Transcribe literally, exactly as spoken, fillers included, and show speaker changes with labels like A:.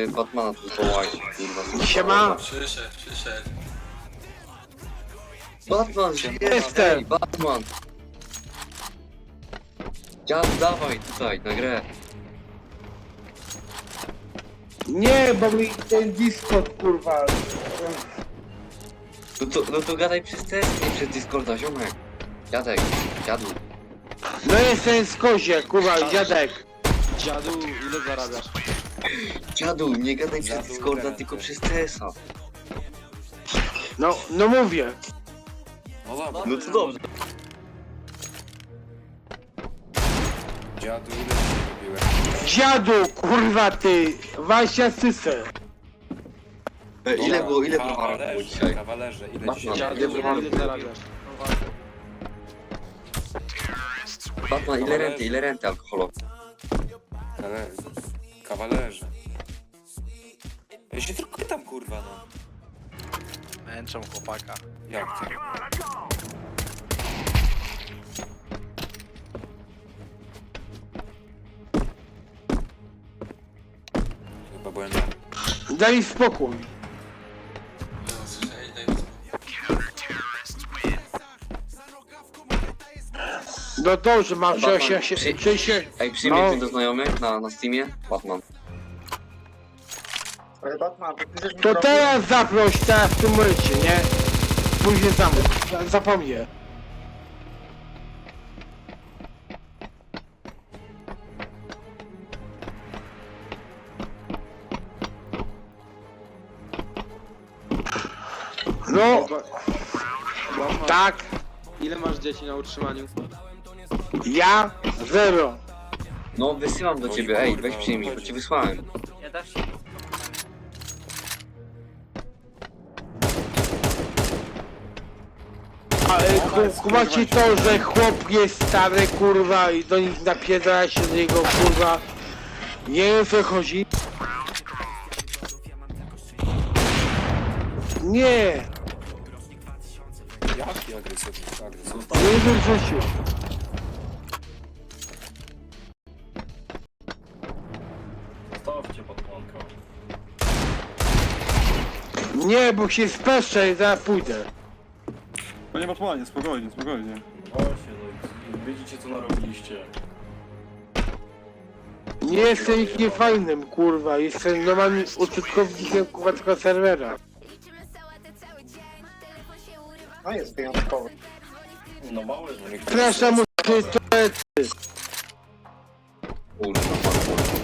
A: Yy, Batmana tu zwołajcie, kurwa.
B: Siema.
C: Przyszedł, przyszedł.
A: Batman,
B: Jestem.
A: ej, Batman. Dziad, dawaj tutaj, na grę.
B: Nie, bo mi ten Discord kurwa.
A: No to, no to gadaj przez test, nie przez Discorda, ziomek. Dziadek, dziadu.
B: No jestem z kozie, kurwa, dziadek.
D: Dziadu, ile zarabiasz?
A: Dziadu, nie gadaj przez
D: Dziadu,
A: Discorda,
D: garanty.
A: tylko przez T S a.
B: No, no mówię.
D: No dobra.
A: No to dobrze.
D: Dziadu, ile ci kupiłem?
B: Dziadu, kurwa ty, Wasia Sysę.
A: E, ile było, ile było
D: Kawalerze,
A: dzisiaj?
D: kawalerze, ile
A: Batman,
D: dzisiaj?
A: Dziadu,
D: Dziadu,
A: ile
D: ile
A: ile
D: zarabiasz?
A: Batman, ile renty, ile renty alkoholowe?
D: Kawalerze. Kawalerze. Ja się tylko pytam, kurwa, no.
E: Męczą chłopaka.
D: Jak to? Chyba byłem ja.
B: Daj spokój.
C: No, słyszeli, daj mi spokój.
B: No dobrze, mam
A: Batman,
B: się, się,
A: przy-
B: się, się.
A: Ej, przyjmij
B: No.
A: mnie do znajomych na, na Steamie? Batman.
F: Ale Batman, to piszesz mi
B: To
F: problem?
B: teraz zaproś, teraz w tym momencie, nie? Później zamów, zapomnę. No,
G: Batman,
B: tak,
G: ile masz dzieci na utrzymaniu?
B: ja zero.
A: No wysyłam do ciebie, ej, weź przyjmij, bo ci wysłałem.
E: Ja też.
B: Ale ku- kumacie to, że chłop jest stary, kurwa, i do nich napierdala się z niego, kurwa. Nie wiem, o co chodzi. Nie,
D: Jaki agresywny, agresywny.
B: nie wiem, co się.
C: Zostawcie Batmanka.
B: Nie, bo się speszę i zaraz pójdę.
H: Panie Batmanie, spokojnie, spokojnie.
C: Właśnie, no i widzicie co narobiliście.
B: Nie jestem ich niefajnym, kurwa, jestem normalnym użytkownikiem, kurwa, tego serwera.
F: No jest wyjątkowy.
C: No mały,
D: No, niektórzy
B: Przepraszam, muszę to
A: Kurwa, Batman.